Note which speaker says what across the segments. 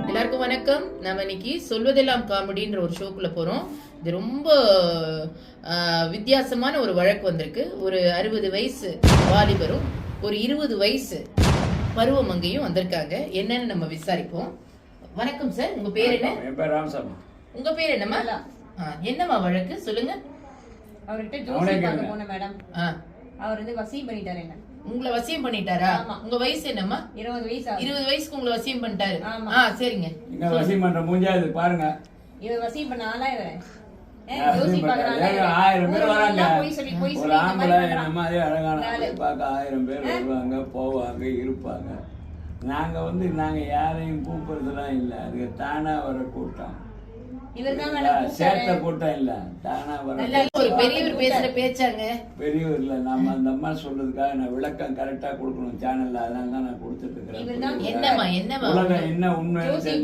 Speaker 1: எல்லாருக்கும் வணக்கம். நம்ம இன்னைக்கு சொல்வதெல்லாம் காமெடின்ற ஒரு ஷோக்குள்ள போறோம். இது ரொம்ப வித்தியாசமான ஒரு வழக்கு வந்திருக்கு. ஒரு 60 வயசு வாலிபரும் ஒரு 20 வயசு பருவமங்கையும் வந்திருக்காங்க. என்னன்னு நம்ம விசாரிப்போம். வணக்கம் சார், உங்க பேர் என்ன?
Speaker 2: என் பேர் ராமசாமி.
Speaker 1: உங்க பேர் என்னம்மா? என்னம்மா வழக்கு சொல்லுங்க.
Speaker 3: அவர்கிட்ட ஜோசி பார்க்க போன மேடம். அவர் வந்து வசியம் பண்ணிட்டாரு. என்ன
Speaker 1: உங்களை வசியம் பண்ணிட்டாரா? உங்க வயசு என்னம்மா?
Speaker 3: 20 வயசு.
Speaker 1: 20 வயசுக்கு உங்களை வசியம் பண்ணிட்டாரு. சரிங்க.
Speaker 2: நீங்க வசியம் பண்ற மூஞ்சா இது பாருங்க.
Speaker 3: இவர் வசியம் பண்ண ஆளா இவன்?
Speaker 2: ஜோசி பார்க்கறாங்க. 1000 பேர் வராங்க. ஒரு ஆம்பளை என்ன மாதிரி அழகான பார்க்க 1000 பேர் வருவாங்க, போவாங்க, இருப்பாங்க. நாங்க யாரையும் கூப்பிடுறதுலாம் இல்ல. அது தானா வர கூட்டம். சேர்த்த கூட்டம் இல்ல, தானா வர.
Speaker 1: ஒரு பெரியவர் பேசுற பேச்சாங்க.
Speaker 2: பெரியவர் இல்ல, நம்ம அந்த அம்மா சொல்றதுக்காக நான் விளக்கம் கரெக்டா கொடுக்கணும் சேனல்ல. அதனால தான் நான் கொடுத்துட்டு இருக்கிறேன். உலகம் என்ன உண்மை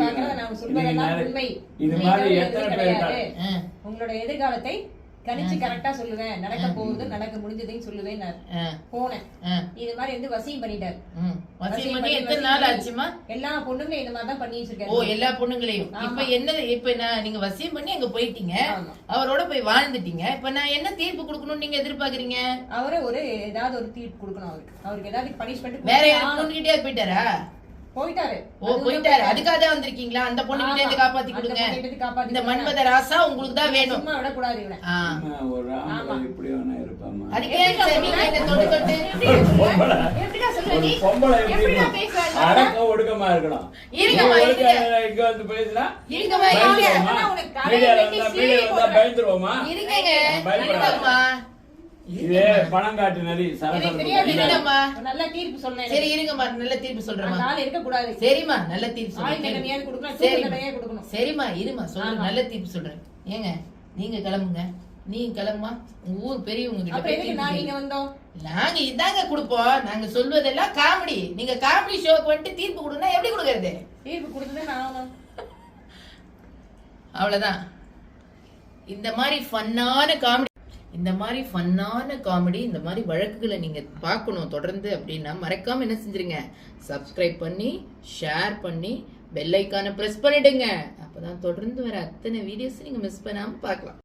Speaker 2: இது மாதிரி எத்தனை பேர்
Speaker 3: உங்களோட எதிர்காலத்தை கணிச்சு கரெக்டா சொல்லுவேன். நடக்க போகுது, நடக்க முடிஞ்சதையும் சொல்லுவேன். நான் போனேன். இது மாதிரி வந்து வசியம் பண்ணிட்டாரு.
Speaker 1: வசியம் பண்ணி எத்தனை நாள் ஆச்சுமா?
Speaker 3: எல்லா பொண்ணுங்களையும் இந்த மாதிரி தான் பண்ணி வச்சிருக்காரு.
Speaker 1: ஓ, எல்லா பொண்ணுங்களையும். இப்ப நீங்க வசியம் பண்ணி அங்க போயிட்டீங்க, அவரோட போய் வாழ்ந்துட்டீங்க. இப்ப நான் என்ன தீர்ப்பு கொடுக்கணும்னு நீங்க எதிர்பார்க்கறீங்க?
Speaker 3: அவரை ஏதாவது ஒரு தீர்ப்பு கொடுக்கணும். அவருக்கு ஏதாவது பனிஷ்மெண்ட்.
Speaker 1: வேற யாரும் பொண்ணுகிட்டே போயிட்டாரா?
Speaker 3: போயிட்டாரு.
Speaker 1: அதுக்காக தான் வந்திருக்கீங்க. அந்த பொண்ணு கிட்ட இருந்து காப்பாத்தி கொடுங்க. இந்த மன்மத ராசா உங்களுக்கு தான் வேணும்.
Speaker 3: சும்மா விட கூடாது இவனை.
Speaker 2: ஒரு ஆம்பளை இப்படி வேணா இருப்பாமா?
Speaker 1: அதுக்கே நீங்க என்ன தொட்டு தொட்டு
Speaker 3: எப்படிடா சொல்ற நீ?
Speaker 2: பொம்பளை எப்படிடா பேசுறாங்க? அடக்க ஒடுக்கமா இருக்கணும்.
Speaker 1: இருங்கம்மா,
Speaker 2: இங்க வந்து பேசினா
Speaker 1: இருங்கம்மா,
Speaker 2: மீடியால வந்தா பயந்துருவோமா?
Speaker 1: இருங்கம்மா.
Speaker 2: இதே பணம் காட்டு நரி
Speaker 1: இருங்கம்மா.
Speaker 3: நல்ல தீர்ப்பு சொல்றேன்.
Speaker 1: சரி இருங்கம்மா, நல்ல தீர்ப்பு சொல்றேன்.
Speaker 3: நாளை இருக்க கூடாது.
Speaker 1: சரிம்மா, நல்ல தீர்ப்பு சொல்றேன்.
Speaker 3: சரிம்மா,
Speaker 1: இருமா சொல்றேன். நல்ல தீர்ப்பு சொல்றேன். ஏங்க நீங்க கிளம்புங்க. நீங்க கிளம்புமா. உங்க ஊர் பெரியவங்க கிட்ட நாங்க இதாங்க கொடுப்போம். நாங்க சொல்வதெல்லாம் காமெடி. நீங்க காமெடி ஷோக்கு வந்துட்டு தீர்ப்பு கொடுனா எப்படி கொடுக்கறது?
Speaker 3: தீர்ப்பு கொடுத்தது நான்
Speaker 1: அவ்வளவுதான். இந்த மாதிரி ஃபன்னான காமெடி, இந்த மாதிரி வழக்குகளை நீங்க பார்க்கணும் தொடர்ந்து அப்படின்னா மறக்காம என்ன செஞ்சிருங்க, சப்ஸ்கிரைப் பண்ணி ஷேர் பண்ணி பெல் ஐக்கானை பிரஸ் பண்ணிடுங்க. அப்பதான் தொடர்ந்து வர அத்தனை வீடியோஸ் நீங்க மிஸ் பண்ணாம பார்க்கலாம்.